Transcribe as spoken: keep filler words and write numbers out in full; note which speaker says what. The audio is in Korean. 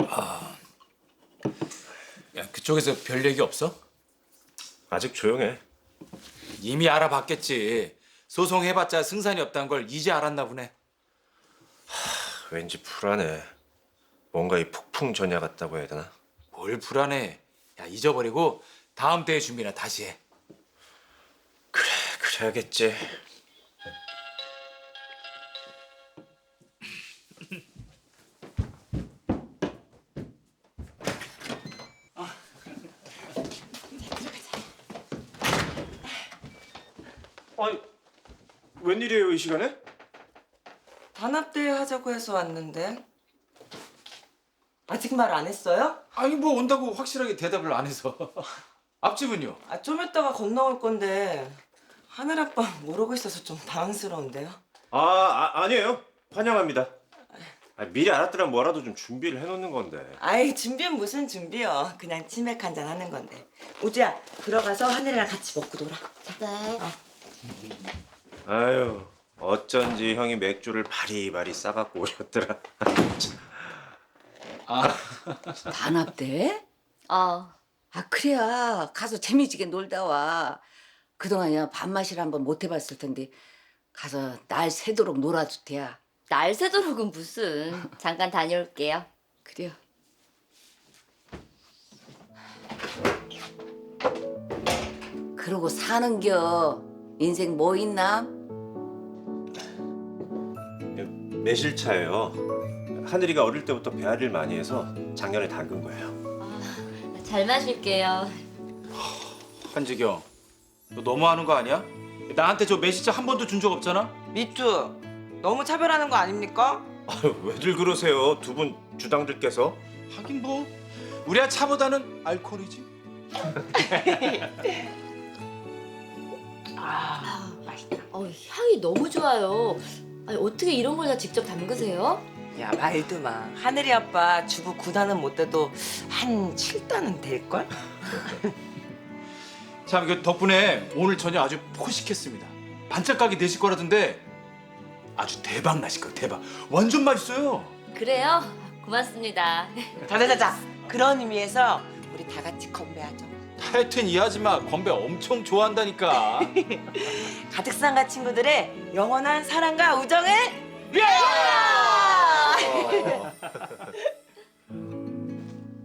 Speaker 1: 야, 그쪽에서 별 얘기 없어?
Speaker 2: 아직 조용해.
Speaker 1: 이미 알아봤겠지. 소송해봤자 승산이 없다는 걸 이제 알았나 보네.
Speaker 2: 왠지 불안해. 뭔가 이 폭풍 전야 같다고 해야 되나?
Speaker 1: 뭘 불안해. 야, 잊어버리고 다음 대회 준비나 다시 해.
Speaker 2: 그래, 그래야겠지. 아니, 웬일이에요, 이 시간에?
Speaker 3: 단합대회 하자고 해서 왔는데 아직 말 안 했어요?
Speaker 1: 아니 뭐 온다고 확실하게 대답을 안 해서. 앞집은요?
Speaker 3: 아, 좀 이따가 건너올 건데 하늘 아빠 모르고 있어서 좀 당황스러운데요.
Speaker 2: 아, 아 아니에요. 환영합니다. 아, 미리 알았더란 뭐라도 좀 준비를 해놓는 건데.
Speaker 3: 아이, 준비는 무슨 준비요. 그냥 치맥 한잔 하는 건데. 우주야, 들어가서 하늘이랑 같이 먹고 놀아.
Speaker 4: 네.
Speaker 2: 아유, 어쩐지 형이 맥주를 바리바리 싸갖고 오셨더라.
Speaker 4: 단합대?
Speaker 5: 어,
Speaker 4: 아 그래야 가서 재미지게 놀다 와. 그동안이야 밥맛이라 한번 못 해봤을 텐데 가서 날 새도록 놀아도 돼야.
Speaker 5: 날 새도록은 무슨. 잠깐 다녀올게요.
Speaker 4: 그래요. 그러고 사는겨. 인생 뭐 있나?
Speaker 2: 매실차예요. 하늘이가 어릴 때부터 배앓이를 많이 해서 작년에 담근 거예요.
Speaker 5: 잘 마실게요.
Speaker 1: 한지경, 너 너무하는 거 아니야? 나한테 저 매실차 한 번도 준 적 없잖아?
Speaker 3: 미투, 너무 차별하는 거 아닙니까?
Speaker 2: 아유, 왜들 그러세요? 두 분 주당들께서.
Speaker 1: 하긴 뭐 우리야 차보다는 알코올이지.
Speaker 3: 아, 맛있다.
Speaker 5: 어, 향이 너무 좋아요. 아니, 어떻게 이런 걸 다 직접 담그세요?
Speaker 3: 야, 말도 마. 하늘이 아빠 주부 구 단은 못 돼도 한 칠 단은 될걸?
Speaker 1: 참, 그 덕분에 오늘 저녁 아주 포식했습니다. 반짝 가게 되실 거라던데 아주 대박 나실 거예요. 대박. 완전 맛있어요.
Speaker 5: 그래요? 고맙습니다.
Speaker 3: 자자자자. 그런 의미에서 우리 다 같이 건배하죠.
Speaker 1: 하여튼 이 아줌마 건배 엄청 좋아한다니까.
Speaker 3: 가득상가 친구들의 영원한 사랑과 우정을
Speaker 1: 예!
Speaker 3: 위하여!